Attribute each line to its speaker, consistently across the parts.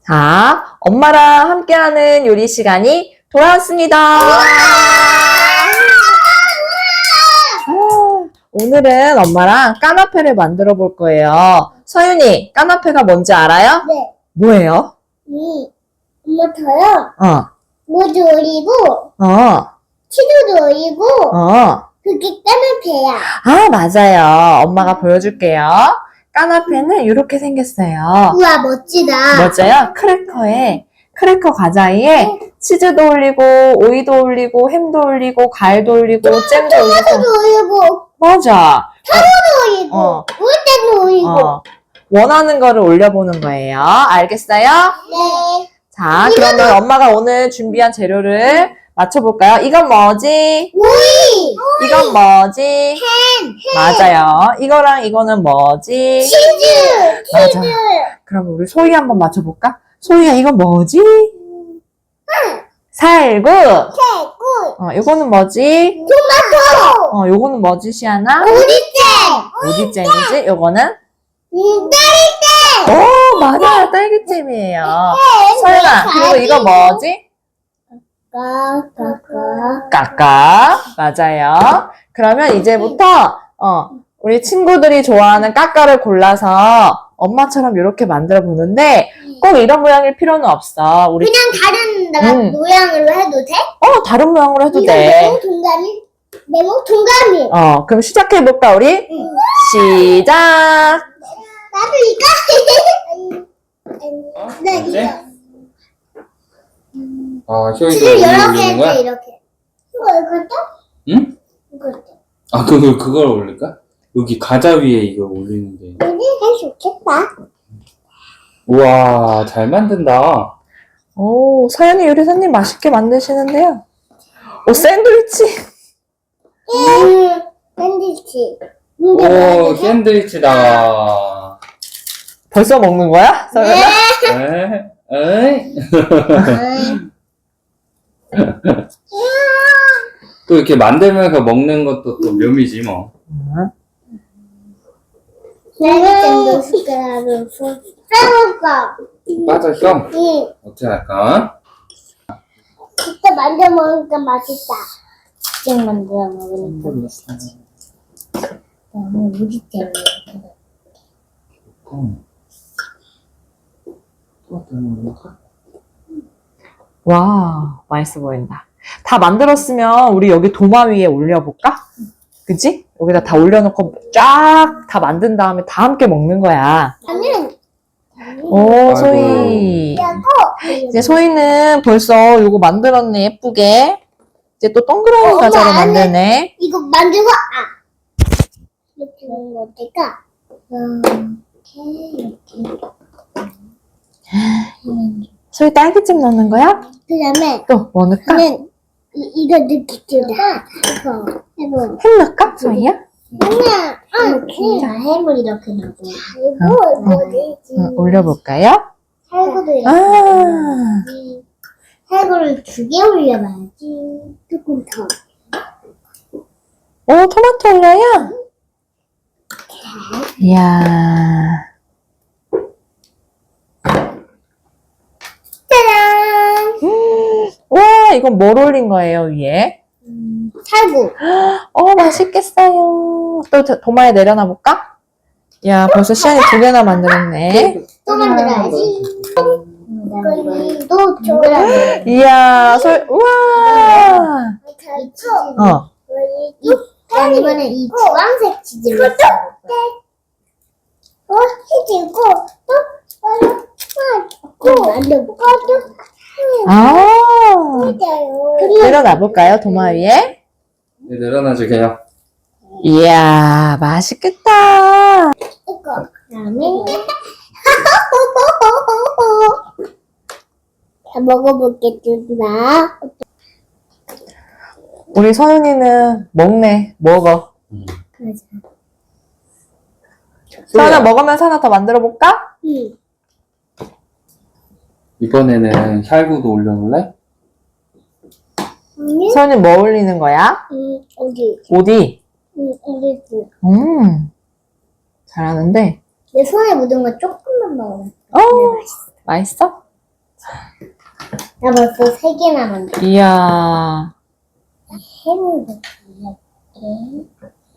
Speaker 1: 자, 엄마랑 함께하는 요리 시간이 돌아왔습니다. 오늘은 엄마랑 까나페를 만들어 볼 거예요. 서윤이, 까나페가 뭔지 알아요?
Speaker 2: 네.
Speaker 1: 뭐예요?
Speaker 2: 이모터요. 모두 올리고, 치즈도 올리고, 그게 까나페야.
Speaker 1: 아, 맞아요. 엄마가 보여줄게요. 까나페는 이렇게 생겼어요.
Speaker 2: 우와, 멋지다.
Speaker 1: 맞아요? 크래커 과자에 치즈도 올리고, 오이도 올리고, 햄도 올리고, 과일도 올리고, 잼도
Speaker 2: 토마토도
Speaker 1: 올리고.
Speaker 2: 올리고,
Speaker 1: 맞아.
Speaker 2: 타로도 올리고,
Speaker 1: 어.
Speaker 2: 물때도 올리고.
Speaker 1: 원하는 거를 올려보는 거예요. 알겠어요?
Speaker 2: 네.
Speaker 1: 자, 그러면 엄마가 오늘 준비한 재료를 맞춰볼까요? 이건 뭐지?
Speaker 2: 오이!
Speaker 1: 이건 뭐지?
Speaker 2: 햄!
Speaker 1: 맞아요. 이거랑 이거는 뭐지?
Speaker 2: 치즈!
Speaker 1: 맞아. 그럼 우리 소희 한번 맞춰볼까? 소희야, 이건 뭐지? 살구.
Speaker 2: 새꿀!
Speaker 1: 이거는 뭐지?
Speaker 2: 토마토!
Speaker 1: 요거는 뭐지, 시아나?
Speaker 2: 오리잼!
Speaker 1: 어디잼이지? 요거는?
Speaker 2: 딸기잼!
Speaker 1: 오, 맞아요. 딸기잼이에요. 서윤아, 그리고 이거 뭐지? 까까. 맞아요. 그러면 이제부터, 우리 친구들이 좋아하는 까까를 골라서 엄마처럼 이렇게 만들어 보는데, 꼭 이런 모양일 필요는 없어. 우리,
Speaker 2: 그냥 다른 모양으로 해도 돼?
Speaker 1: 다른 모양으로 해도
Speaker 2: 이거
Speaker 1: 돼.
Speaker 2: 네모 동그라미? 네모 동그라미.
Speaker 1: 그럼 시작해볼까, 우리? 시작!
Speaker 2: 나도 이거. 나
Speaker 3: 뭐지?
Speaker 2: 이거.
Speaker 3: 효이도
Speaker 2: 치즈
Speaker 3: 위에
Speaker 2: 여러 개
Speaker 3: 올리는 거야?
Speaker 2: 했지, 이렇게. 이것도?
Speaker 3: 응?
Speaker 2: 이것도.
Speaker 3: 그걸 올릴까? 여기 과자 위에 이거 올리는데.
Speaker 2: 할수 있겠다.
Speaker 3: 우와, 잘 만든다.
Speaker 1: 오, 서연이 요리사님 맛있게 만드시는데요. 오, 샌드위치.
Speaker 2: 샌드위치.
Speaker 3: 오, 샌드위치다.
Speaker 1: 벌써 먹는 거야? 서연아?
Speaker 3: 에이? 또 이렇게 만들면서 먹는 것도 또 묘미지 뭐.
Speaker 2: 샌드위치도 숟가락으로 해볼까?
Speaker 3: 빠졌어?
Speaker 2: 응.
Speaker 3: 어떻게 할까?
Speaker 2: 진짜 만져 먹으니까 맛있다. 직접 만들어 먹으니까 맛있다. 너무 우리 때문에.
Speaker 1: 와, 맛있어 보인다. 다 만들었으면 우리 여기 도마 위에 올려볼까? 그치? 여기다 다 올려놓고 쫙 다 만든 다음에 다 함께 먹는 거야.
Speaker 2: 나는
Speaker 1: 오, 소희. 이제 소희는 벌써 요거 만들었네, 예쁘게. 이제 또 동그라미
Speaker 2: 엄마,
Speaker 1: 과자로
Speaker 2: 안에-
Speaker 1: 만드네.
Speaker 2: 이거 만들고 이렇게 하는 거 어떨까?
Speaker 1: 소희 딸기잼 넣는 거야?
Speaker 2: 그다음에
Speaker 1: 또 뭐 넣을까?
Speaker 2: 나는 이거 느끼다. 이거 해보.
Speaker 1: 햄 넣을까? 소희야?
Speaker 2: 그냥 햄을 이렇게 넣고. 이거 뭐지?
Speaker 1: 올려볼까요?
Speaker 2: 살구도 이렇게.
Speaker 1: 아,
Speaker 2: 살구를 2개 올려봐야지. 조금 더.
Speaker 1: 오, 토마토 올려요? 이야.
Speaker 2: 짜잔!
Speaker 1: 와, 이건 뭘 올린 거예요, 위에?
Speaker 2: 살구.
Speaker 1: 맛있겠어요. 또 도마에 내려놔 볼까? 야, 벌써 시안이 2개나 만들었네.
Speaker 2: 또 만들어야지. 또 동그라미.
Speaker 1: 이야, 우와!
Speaker 2: 이번엔 이 주황색 치즈를 치즈 있고 또 만들고
Speaker 1: 내려놔 볼까요, 도마 위에?
Speaker 3: 네, 내려놔주게요.
Speaker 1: 이야, 맛있겠다.
Speaker 2: 그다음에 다 먹어보겠습니다.
Speaker 1: 우리 서윤이는 먹어.
Speaker 2: 맞아.
Speaker 1: 서윤아, 먹으면서 하나 더 만들어 볼까?
Speaker 2: 응.
Speaker 3: 이번에는 살구도 올려볼래?
Speaker 1: 서윤이 뭐 올리는 거야?
Speaker 2: 어디?
Speaker 1: 어디?
Speaker 2: 어디?
Speaker 1: 잘하는데.
Speaker 2: 내 손에 묻은 거 조금만 먹으면.
Speaker 1: 맛있어?
Speaker 2: 나 벌써 3개나 만들었어.
Speaker 1: 이야.
Speaker 2: 해물도 이렇게.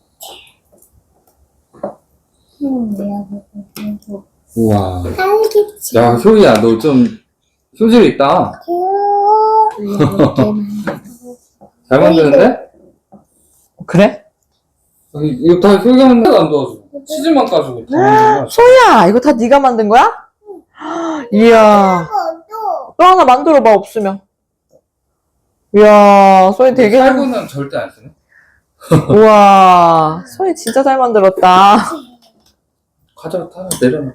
Speaker 2: 해물 외워보고.
Speaker 3: 우와.
Speaker 2: 알겠지.
Speaker 3: 야, 효이야, 너 좀 효질 있다.
Speaker 2: 이렇게 만들고.
Speaker 3: 잘 만드는데?
Speaker 1: 그래?
Speaker 3: 이거 다 효이가 만든 거안 도와줘. 치즈만 까주고 다 만든 거야.
Speaker 1: 소희야, 이거 다 네가 만든 거야? 이야.
Speaker 2: 또
Speaker 1: 또 하나 만들어봐, 없으면. 이야, 소희 되게 잘,
Speaker 3: 살구는 절대 안 쓰네.
Speaker 1: 우와. 소희 진짜 잘 만들었다.
Speaker 3: 과자 다 내려놔.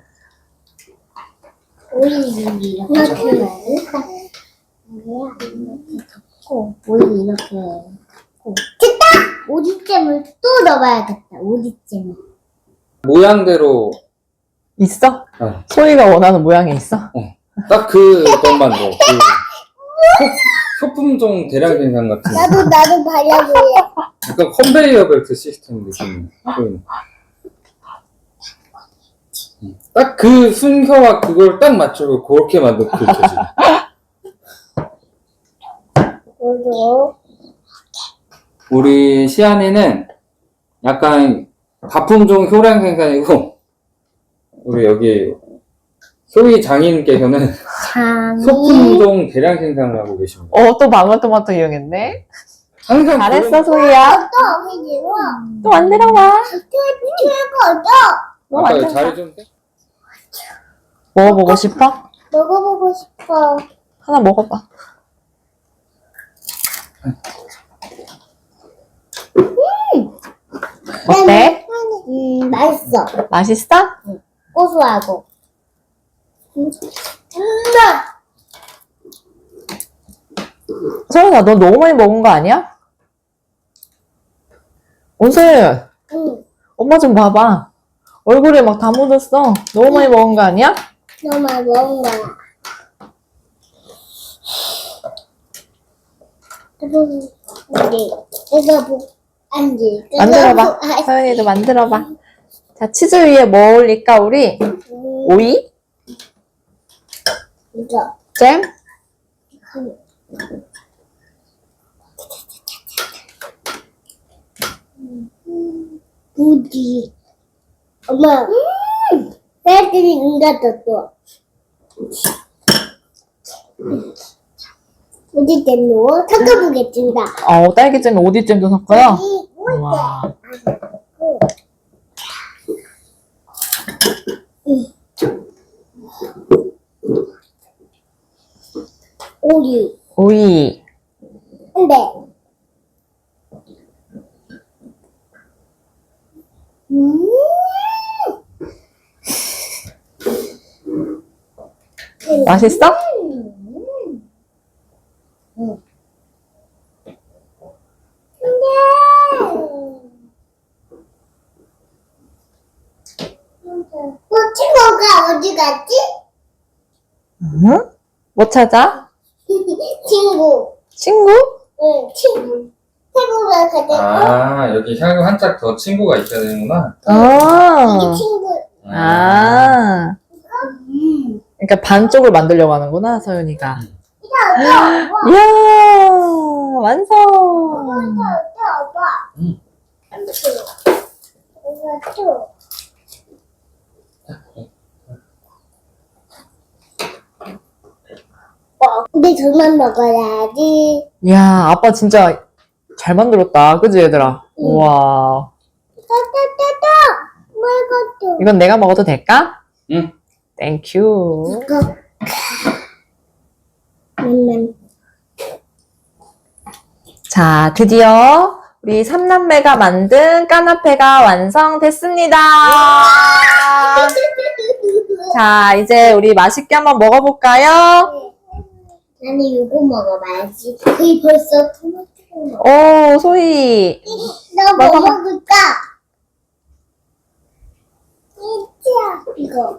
Speaker 2: 오이 이렇게 넣을까? 이렇게 덮고 오이 이렇게 넣고 됐다! 오디잼을 또 넣어봐야겠다. 오디잼을.
Speaker 3: 모양대로
Speaker 1: 있어?
Speaker 3: 어.
Speaker 1: 소희가 원하는 모양이 있어?
Speaker 3: 딱 그것만 넣어. 소품종 대량 생산 같은.
Speaker 2: 나도 발라보여.
Speaker 3: 약간 컨베이어 벨트 시스템 느낌. 딱 그 순서와 그걸 딱 맞추고 그렇게 만든 그 교지.
Speaker 2: 그리고
Speaker 3: 우리 시안이는 약간 가품종 효량 생산이고, 우리 여기 소희 장인께서는
Speaker 2: 장이
Speaker 3: 소품종 대량 생산을 하고 계십니다.
Speaker 1: 또 방울토마토 이용했네?
Speaker 3: 항상
Speaker 1: 잘했어, 소희야.
Speaker 2: 또 해지고
Speaker 1: 또 만들어봐.
Speaker 2: 최고죠.
Speaker 1: 너
Speaker 3: 아까
Speaker 1: 완전
Speaker 3: 잘해줬는데?
Speaker 1: 먹어보고 싶어?
Speaker 2: 먹어보고 싶어.
Speaker 1: 하나 먹어봐. 어때?
Speaker 2: 맛있어.
Speaker 1: 맛있어?
Speaker 2: 고소하고. 정말.
Speaker 1: 소연아, 너 너무 많이 먹은 거 아니야? 온소연,
Speaker 2: 응.
Speaker 1: 엄마 좀 봐봐. 얼굴에 막 다 묻었어. 너무 많이 먹은 거 아니야?
Speaker 2: 너무 많이 먹은 거야. 우리 이거 앉지.
Speaker 1: 만들어봐. 서연이도 만들어봐. 자, 치즈 위에 뭐 올릴까, 우리? 오이?
Speaker 2: 이거.
Speaker 1: 잼?
Speaker 2: 부디. 엄마. 애들이 응가졌어 또. 부디 잼로 섞어보겠습니다.
Speaker 1: 딸기잼에 오디잼도 섞어요? 와.
Speaker 2: 오리.
Speaker 1: 오이.
Speaker 2: 근데.
Speaker 1: 맛있어?
Speaker 2: 친구가 어디 갔지?
Speaker 1: 응? 뭐 찾아?
Speaker 2: 친구.
Speaker 1: 친구?
Speaker 2: 응, 친구. 친구가 가자고.
Speaker 3: 아, 여기 향유 한 짝 더 친구가 있어야 되는구나.
Speaker 2: 이게 친구.
Speaker 1: 아. 그러니까 반쪽을 만들려고 하는구나, 서윤이가. 이야, 완성!
Speaker 3: 응.
Speaker 2: 근데 저만 먹어야지.
Speaker 1: 이야, 아빠 진짜 잘 만들었다. 그지, 얘들아? 우와.
Speaker 2: 따따따따. 뭐
Speaker 1: 이건 내가 먹어도 될까?
Speaker 3: 응.
Speaker 1: 땡큐.
Speaker 2: 이거.
Speaker 1: 자, 드디어 우리 삼남매가 만든 까나페가 완성됐습니다. 자, 이제 우리 맛있게 한번 먹어볼까요?
Speaker 2: 나는 이거 먹어봐야지. 그게 벌써 토마토.
Speaker 1: 오, 소희.
Speaker 2: 너 뭐
Speaker 1: 먹어봐.
Speaker 2: 먹을까? 이거.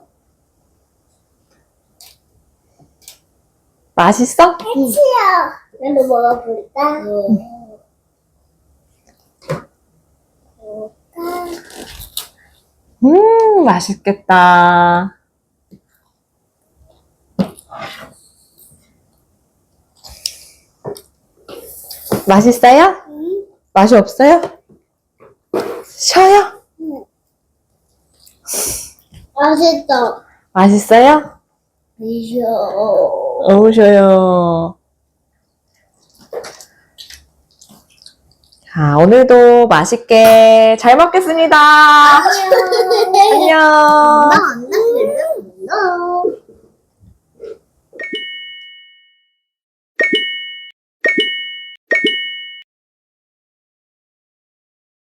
Speaker 1: 맛있어?
Speaker 2: 치야. 나도 먹어볼까?
Speaker 1: 맛있겠다. 맛있어요?
Speaker 2: 응?
Speaker 1: 맛이 없어요? 쉬어요?
Speaker 2: 맛있어.
Speaker 1: 맛있어요?
Speaker 2: 미셔.
Speaker 1: 어우, 쉬어요. 자, 오늘도 맛있게 잘 먹겠습니다. 안녕.
Speaker 2: 나 안녕.